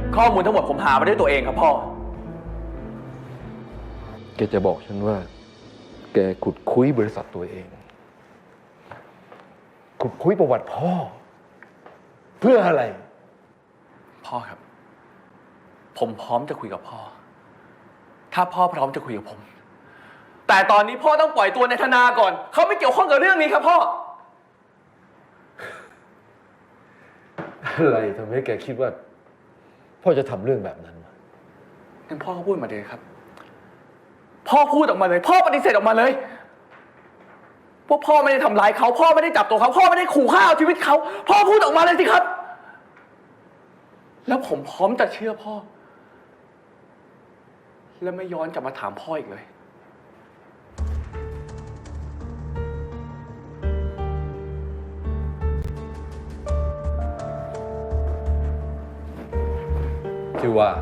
ข้อมูลทั้งหมดผมหามาด้วยตัวเองครับพ่อแกจะบอกฉันว่าแกขุดคุยบริษัทตัวเองขุดคุยประวัติพ่อเพื่ออะไรพ่อครับผมพร้อมจะคุยกับพ่อถ้าพ่อพร้อมจะคุยกับผมแต่ตอนนี้พ่อต้องปล่อยตัวนายธนาก่อนเขาไม่เกี่ยวข้องกับเรื่องนี้ครับพ่ออะไรทำให้แกคิดว่าพ่อจะทำเรื่องแบบนั้นงั้นพ่อก็พูดมาเลยครับพ่อพูดออกมาเลยพ่อปฏิเสธออกมาเลยว่าพ่อไม่ได้ทำร้ายเขาพ่อไม่ได้จับตัวเขาพ่อไม่ได้ขู่ฆ่าเอาชีวิตเขาพ่อพูดออกมาเลยสิครับแล้วผมพร้อมจะเชื่อพ่อและไม่ย้อนกลับมาถามพ่ออีกเลยที่ว่า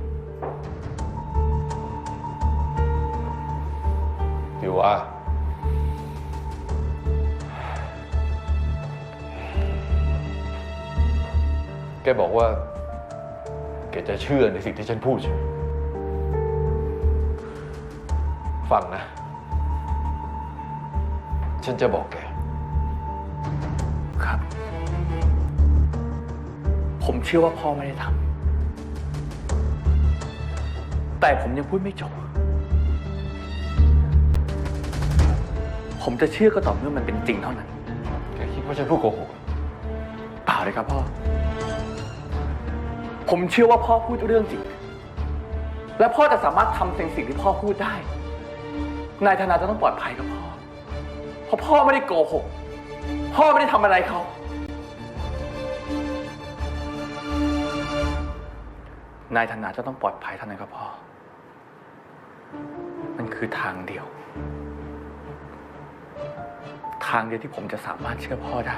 แกบอกว่าแกจะเชื่อในสิ่งที่ฉันพูดใช่ไหมฟังนะฉันจะบอกแกครับผมเชื่อว่าพ่อไม่ได้ทำแต่ผมยังพูดไม่จบผมจะเชื่อก็ต่อเมื่อมันเป็นจริงเท่านั้นแกคิดว่าฉันพูดโกหกเปล่าเลยครับพ่อผมเชื่อว่าพ่อพูดเรื่องจริงและพ่อจะสามารถทำสิ่งที่พ่อพูดได้นายธนาจะต้องปลอดภัยกับพ่อเพราะพ่อไม่ได้โกหกพ่อไม่ได้ทำอะไรเขานายธนาจะต้องปลอดภัยเท่านั้นครับพ่อมันคือทางเดียวที่ผมจะสามารถเชื่อพ่อได้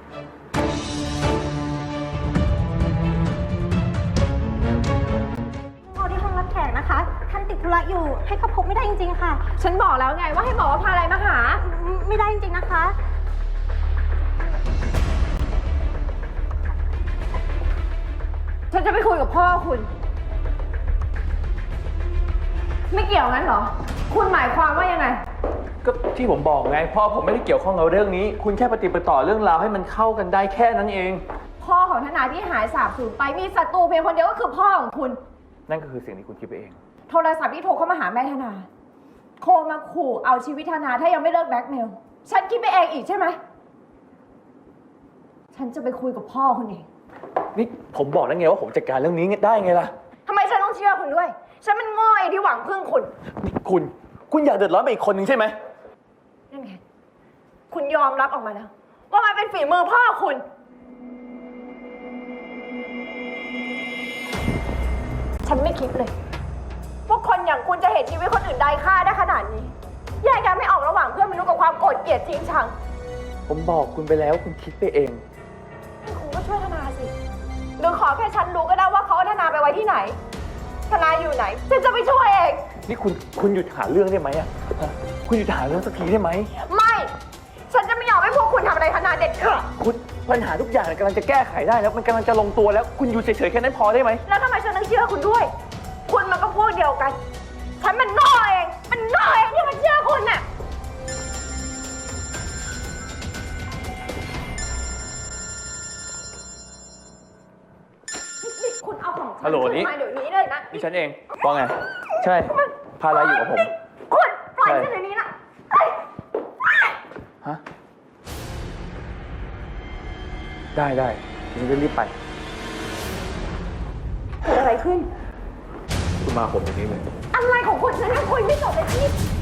รอที่ห้องรับแขกนะคะท่านติดธุระอยู่ให้เขาพบไม่ได้จริงๆค่ะฉันบอกแล้วไงว่าให้บอกว่าพาอะไรมาหาไม่ได้จริงๆนะคะฉันจะไปคุยกับพ่อคุณไม่เกี่ยวงั้นเหรอคุณหมายความว่ายังไงก็ที่ผมบอกไงพ่อผมไม่ได้เกี่ยวข้องกับเรื่องนี้คุณแค่ปฏิบัติต่อเรื่องราวให้มันเข้ากันได้แค่นั้นเองพ่อของธนาที่หายสาบสูญไปมีศัตรูเพียงคนเดียวก็คือพ่อของคุณนั่นก็คือสิ่งที่คุณคิดไปเองโทรศัพท์ที่โทรเข้ามาหาแม่ธนาโทรมาขู่เอาชีวิตธนาถ้ายังไม่เลิกแบล็กเมลฉันคิดไปเองอีกใช่ไหมฉันจะไปคุยกับพ่อคุณเองนี่ผมบอกแล้วไงว่าผมจัดการเรื่องนี้ได้ไงล่ะทำไมฉันต้องเชื่อคุณด้วยฉันมันโง่ไอ้ที่หวังพึ่งคุณนี่คุณอยากเดือดร้อนไปอีกคนหนึ่งใช่ไหมนั่นไงคุณยอมรับออกมาแล้วว่ามันเป็นฝีมือพ่อคุณฉันไม่คิดเลยว่าคนอย่างคุณจะเห็นชีวิตคนอื่นด้อยค่าได้ขนาดนี้แยกกันไม่ออกระหว่างเพื่อนมนุษย์กับความโกรธเกลียดทิ้งชังผมบอกคุณไปแล้วคุณคิดไปเองคุณก็ช่วยธนาสิหรือขอแค่ฉันรู้ก็ได้ว่าเขาเอาธนาไปไว้ที่ไหนธนาอยู่ไหนฉันจะไปช่วยเองนี่คุณหยุดหาเรื่องได้ไหมอ่ะคุณหยุดหาเรื่องสักทีได้ไหมไม่ฉันจะไม่ยอมให้พวกคุณทำอะไรธนาเด็ดขาดคุณปัญหาทุกอย่างกำลังจะแก้ไขได้แล้วมันกำลังจะลงตัวแล้วคุณอยู่เฉยๆแค่นั้นพอได้ไหมแล้วทำไมฉันต้องเชื่อคุณด้วยคุณมันก็พวกเดียวกันฉันมันโง่เองที่มันเชื่อคุณน่ะคุณเอาของฉันมาเดี๋ยวนี้เลยนะนี่ฉันเองว่าไงใช่พาอะไรอยู่กับผมคุณปล่อยฉันเดี๋ยวนี้นะฮะได้ฉันจะรีบไปเกิดอะไรขึ้นคุณมาผมอย่างนี้เลยอะไรของคุณฉันยังคุยไม่จบเลยพี่